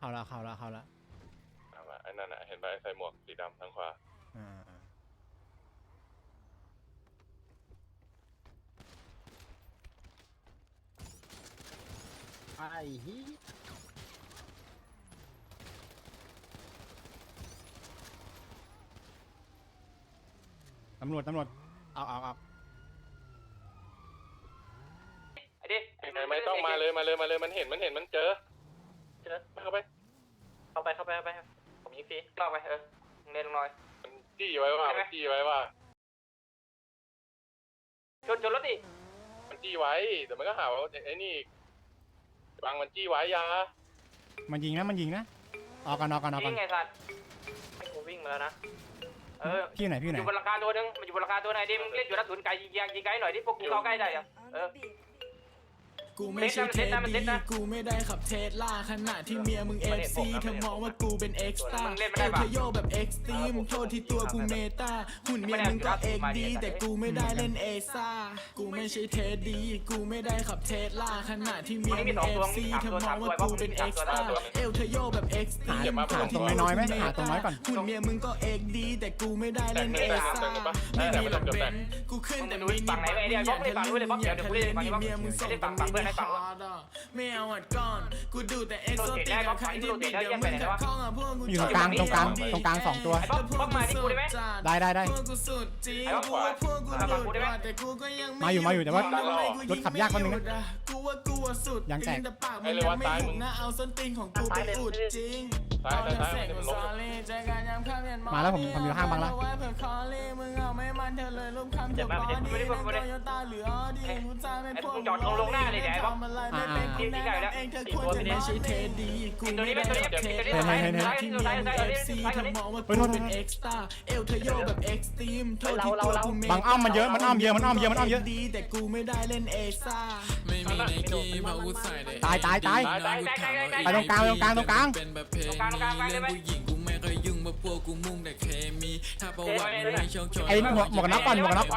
เข้าละไอ้นั่นน่ะเห็นไหมใส่หมวกสีดำทางขวาไอ้ฮีตำรวจเอาไอ้ดิไม่ต้องมาเลยมันเห็นมันเจอเข้าไปผมยิงฟรีลอกไปเล่นลงหน่อยมันจี้ไว้ว่าชนรถดิมันจี้ไว้แต่มันก็หาว่าไอ้นี่บังมันจี้ไว้ยามันยิงนะออกกันยิงไงสัตว์กูวิ่งมาแล้วนะพี่ไหนอยู่บนหลังคาตัวนึงมันอยู่บนหลังคาตัวไหนดิมึงเล่นอยู่นัดศูนย์ไกลยิงไกลหน่อยดิพวกกูเข้าใกล้ได้ยังกูไม่ใช่เทสดีกูไม่ได้ขับเทสล่าขณะที่เมียมึงเอฟซีเธอมองว่ากูเป็นเอ็กซ์ต้าเอลเทโยแบบเอ็กซ์ตรีมโทษที่ตัวกูเมตาหุ่นเมียมึงก็เอ็กดีแต่กูไม่ได้เล่นเอซ่ากูไม่ใช่เทสดีกูไม่ได้ขับเทสล่าขณะที่เมียมึงเอฟซีเธอมองว่ากูเป็นเอ็กซ์ต้าเอลเทโยแบบเอ็กซ์ตรีมโทษที่ตัวกูเมตาหุ่นเมียมึงก็เอ็กดีแต่กูไม่ได้เล่นเอซ่าไม่มีหลักเบนกูขึ้นแต่มินิบังอย่าทะเลมีเมียมึงส่งแต่มินิไม่เอาอัดก้อนกูดูแต่เอ็กโซติกกับใครที่บิดเดี๋ยวมึงขัดข้องอ่ะพวกกูอยู่ตรงกลาง2 ตัวได้พวกกูสุดจริงกูว่าพวกกูหลุดแต่กูก็ยังมาอยู่แต่ว่ารถขับยากคนนึงนะกูว่ากูสุดยังแต่ปากมึงยังไม่ถูกนะเอาส้นตีนของกูไปอุดจริงมาแล้วผมอยู่ห้างบังแล้วมึงเอาไม่มันเธอเลยรูปคำจบบอดี้นั่งโตโยต้าหรือออดี้กูจะไม่พวกจอดลงหน้าเลยเดี๋ยวไอ้บ๊อบทีมที่ไก่แล้วเองเธอควรจะไม่ใช่เทดีกูไม่ได้เทดีที่มีเอฟซีเธอมองว่ากูเป็นเอ็กซ์ต้าเอลเธอโยแบบเอ็กซ์ตรีมโทษที่ตัวกูเมย์บังอ้อมมันเยอะมันอ้อมเยอะดีแต่กูไม่ได้เล่นเอซ่าไม่มีในกีมาอุดใส่เลยตายไปตรงกลางเป็นแบบเพลงนี้เรื่องผู้หญิงกูไม่เคยยุ่งเพราะพวกกูมุ่งแต่เคมีถ้าประวัติมึงไม่ช่องชนไอ้หมวกน็อกก่อนต่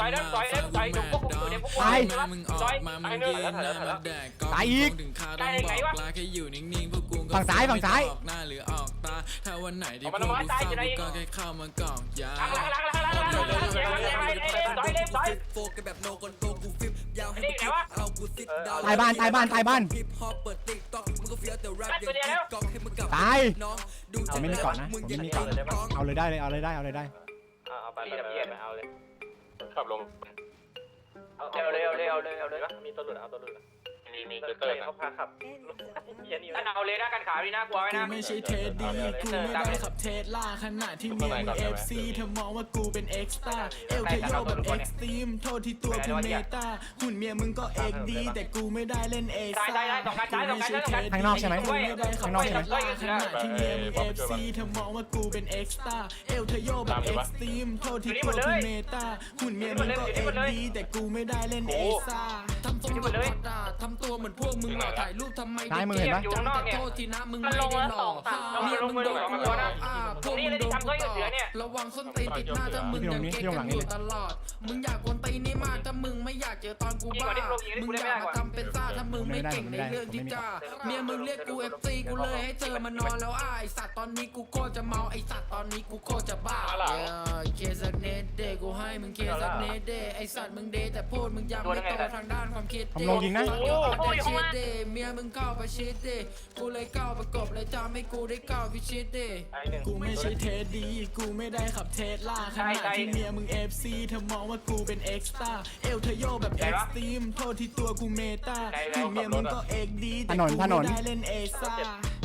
อยมึงออกมามึงยืนหน้ามาแดกก็ถึงคาต้องบอกลาแค่อยู่นิ่งๆพวกกูก็ฝั่งซ้ายออกหน้าหรือออกตาถ้าวันไหนที่พวกกูเศร้ากูก็แค่เข้ามากอกยาโฟกัสแบบโนคนโตกูฟิปยาวให้กูคิดเอากูซิดดาวตายบ้านฮิปฮอปเปิดติ๊กต็อกมึงก็เฟี้ยวแต่แรปอย่างกิ๊กก๊อกให้มึงกลับน้องดูจะไม่มีก่อนนะเอาเลยได้เอาไปเอาเลยขับลงเร็วมีตัวหลุดเอาตัวหลุดมีเตอร์เขาพาขับเอาเลยนะกันขาดีนะกลัวไว้นะกูไม่ใช่เทสดีกูไม่ได้ขับเทสล่าขณะที่เมียมึงเอฟซีเธอมองว่ากูเป็นเอ็กซ์ต้าเอลเทโยแบบเอ็กซ์ตรีมโทษที่ตัวกูเมตาหุ่นเมียมึงก็เอ็กดีแต่กูไม่ได้เล่นเอซ่ากูไม่ใช่เทสดีข้างนอกใช่ไหมกูไม่ได้ขับเทสล่าขณะที่เมียมึงเอฟซีเธอมองว่ากูเป็นเอ็กซ์ต้าเอลเทโยแบบเอ็กซ์ตรีมโทษที่ตัวกูเมตาหุ่นเมียมึงก็เอ็กดีแต่กูไม่ได้เล่นเอซ่าทำตัวเหมือนทำตัวเหมือนพวกมึงหล่อถ่ายรูปทำไมได้มือเห็นปะโทษทีนะมึงไม่ได้หล่อเมียมึงโดนกูหลอกพวกมึงโดนกูต่อระวังส้นตีนติดหน้าถ้ามึงยังเก๊กกันอยู่ตลอดมึงอยากกวนตีนนี่มากถ้ามึงไม่อยากเจอตอนกูบ้ามึงอยากมาทำเป็นซ่าถ้ามึงไม่เก่งในเรื่องที่จ้าเมียมึงเรียกกูFCกูเลยให้เจอมานอนแล้วไอ้สัตว์ตอนนี้กูโคตรจะเมาไอ้สัตว์ตอนนี้กูโคตรจะบ้าเคสักเนตเดกูให้มึงเคสักเนตเดไอ้สัตว์มึงเดแต่พูดมึงยังไม่โตทางด้านความคิดผมลงยิงนะเมียมึงเข้าประชิดดิกูเลยก้าวประกบเลยจำให้กูได้ก้าวพิชิตดิกูไม่ใช่เทสดีกูไม่ได้ขับเทสล่าขณะที่เมียมึงเอฟซีเธอมองว่ากูเป็นเอ็กซ์ต้าเอลเทโยแบบเอ็กซ์ตรีมโทษที่ตัวกูเมตาหุ่นเมียมึงก็เอ็กดีแต่กูไม่ได้เล่นเอซ่า